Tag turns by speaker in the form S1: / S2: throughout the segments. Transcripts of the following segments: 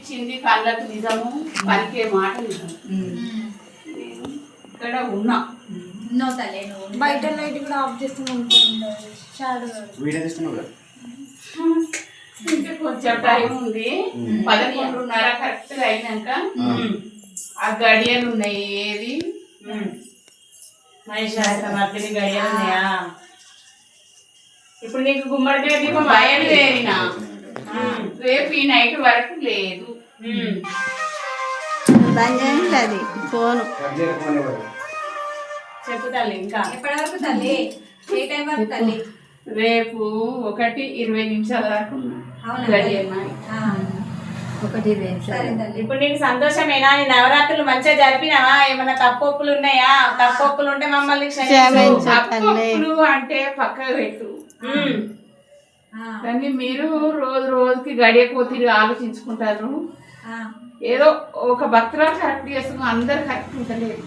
S1: ఇచ్చింది కళ్ళకు నిజము, పలికే మాట నిజం. నేను ఇక్కడ ఉన్నా.
S2: బయట లైట్ కూడా ఆఫ్ చేస్తున్నాం.
S1: ఇంకా కొంచెం టైం ఉంది. 11:30 కరెక్ట్ అయినాక ఆ గడియలు ఉన్నాయి. ఏది మహిషాసురమర్దిని గడియలు ఉన్నాయా? ఇప్పుడు నీకు గుమ్మడికాయ దీపం బయలుదేరినా రేపు ఈ నైట్ వరకు లేదు.
S3: అది ఫోను
S1: చెప్పు తల్లి. ఇంకా
S2: ఎప్పటి వరకు తల్లి? ఏ టైం వరకు తల్లి?
S1: రేపు 1:20 వరకు
S2: ఇప్పుడు నీకు సంతోషమేనా? నీ నవరాత్రులు మంచిగా జరిపినావా? ఏమన్నా తప్పొప్పులు ఉన్నాయా? తప్పొప్పులు ఉంటే మమ్మల్ని
S1: తప్పొప్పులు అంటే పక్కకు పెట్టు. కానీ మీరు రోజు రోజుకి గడియపోతీరు ఆలోచించుకుంటారు. ఏదో ఒక భక్తురాలు కరెక్ట్ చేస్తున్నాం, అందరు కరెక్ట్ ఉంటలేదు.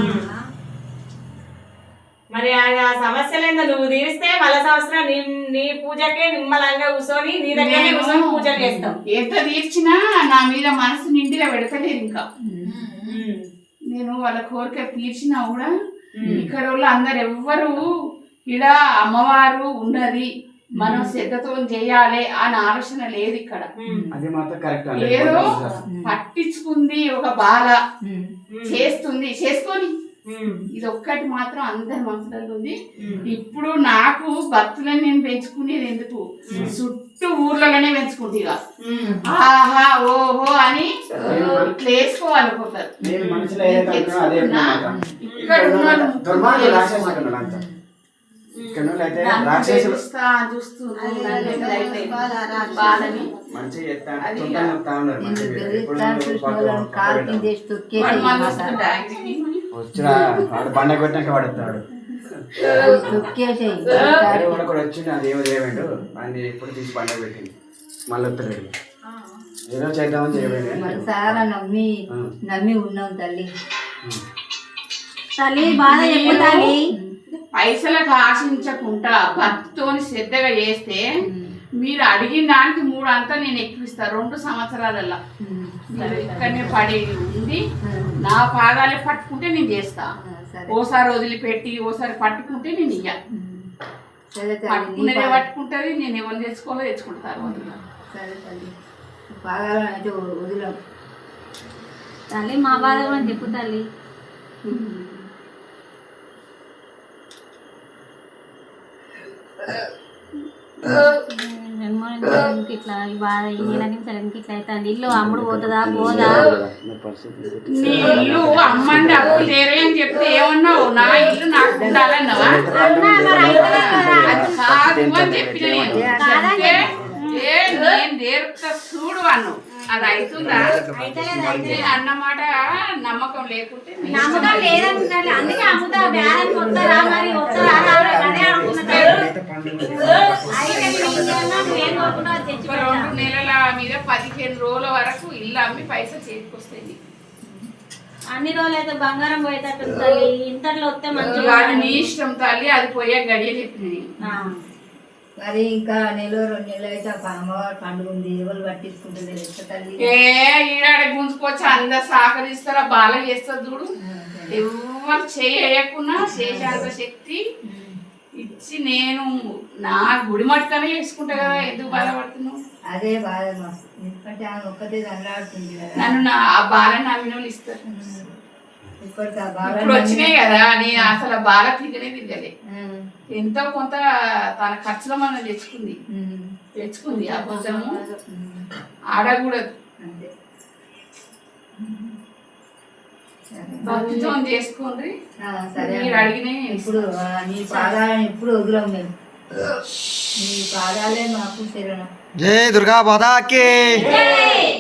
S2: మరి ఆ సమస్యలేందో నువ్వు తీరిస్తే మళ్ళా సంవత్సరం నీ పూజకే నిమ్మలంగా కూర్చొని నీ దగ్గర కూర్చొని పూజలు చేస్తాం.
S1: ఎంత తీర్చినా నా మీద మనసు నిండిగా పెడతలేదు. ఇంకా నేను వాళ్ళ కోరిక తీర్చినా కూడా ఇక్కడ వాళ్ళు అందరు ఎవ్వరు ఇక్కడ అమ్మవారు ఉన్నది, మనం శ్రద్ధతో చేయాలి అని ఆలోచన లేదు. ఇక్కడ ఏదో పట్టించుకుంది ఒక బాధ చేస్తుంది, చేసుకొని ఇది ఒక్కటి మాత్రం అందరి మనసులో ఉంది. ఇప్పుడు నాకు భక్తులని నేను పెంచుకునేది ఎందుకు? చుట్టూ ఊర్లలోనే పెంచుకుంటే ఇక ఆహా ఓహో అని ఇట్లా వేసుకోవాలనుకుంటారు. ఇక్కడ
S4: వచ్చిన వాడు బండ కొట్టినాక పడుతున్నాడు. కూడా వచ్చిండు, అది ఏమో చేయమండు అని ఎప్పుడు తీసి బండ పెట్టింది. మళ్ళీ వస్తలేడు, ఏదో చేద్దామని చేయబడి
S3: చాలా నమ్మి ఉన్నాం తల్లి. తల్లి బాధ చెప్పాలి.
S1: పైసలకు ఆశించకుండా భక్తితోని శ్రద్ధగా చేస్తే మీరు అడిగిన దానికి 3 అంతా నేను ఎక్కువిస్తా 2 సంవత్సరాలలో. ఇక్కడనే పడి ఉంది, నా పాదాలే పట్టుకుంటే నేను చేస్తా. ఓసారి వదిలిపెట్టి ఓసారి పట్టుకుంటే నేను ఇయ్య. పట్టుకునేదే పట్టుకుంటుంది. నేను ఎవరు తెచ్చుకోవాలో తెచ్చుకుంటారు.
S2: తల్లి మా బాధ కూడా చెప్పు తల్లి. ఇట్లా బాధ ఇట్లా అవుతుంది. ఇల్లు అమ్ముడు పోతుందా పోదా?
S1: నీ ఇల్లు అమ్మండి అప్పు లేరే అని చెప్తే ఏమన్నావు? నా ఇల్లు నాకు ఉండాలన్నావా? కాదు అని చెప్పిన నేను నేర్పుతా చూడు అన్ను. అది అవుతుందా అన్నమాట. నమ్మకం లేకుంటే
S2: నమ్మకం లేదంటున్నారు. అందుకే అమ్ముతా బేరానికి వస్తారా మరి వస్తారా?
S1: 2 నెలల మీద 15 రోజుల వరకు ఇల్లు అమ్మి పైసలు చేతికొస్తాయి.
S2: అన్ని రోజులు అయితే బంగారం పోయేటట్టు తల్లి. ఇంటర్లో వస్తే మంచిగా
S1: నీ ఇష్టం తల్లి. అది పోయే గడియ చెప్పిన
S3: మరి ఇంకా 1-2 నెలలు అయితే అమ్మవారు పండుగ ఉంది, ఎవరు పట్టించుకుంటుంది తల్లి.
S1: ఈడాడ గుంజుకొచ్చి అందరు సహకరిస్తారా? బాగా చేస్తారు చూడు. ఎవరు చేయకుండా చేసేంత శక్తి ఇచ్చి నేను నా గుడి మట్టుకనే చేసుకుంటా కదా. ఎందుకు బాధపడుతున్నావు?
S3: అదే బాధ ఎందుకంటే ఆమె ఒక్కతే దండాడుతుంది కదా.
S1: నన్ను ఆ బాధ నమ్మిన వాళ్ళు ఇస్తారు. ఇప్పుడు వచ్చినాయి కదా, నేను అసలు బాగా తిరగనే తిరగలే. ఎంతో కొంత తన ఖర్చులో మనం తెచ్చుకుంది. ఆ కొంచెము ఆడకూడదు. భక్తితో చేసుకోండి. మీరు అడిగిన
S3: ఇప్పుడు నీ పాదాలను ఎప్పుడు వదిలాం మేము. నీ పాదాలే మాకు శరణం.
S4: జై దుర్గా మాతాకి.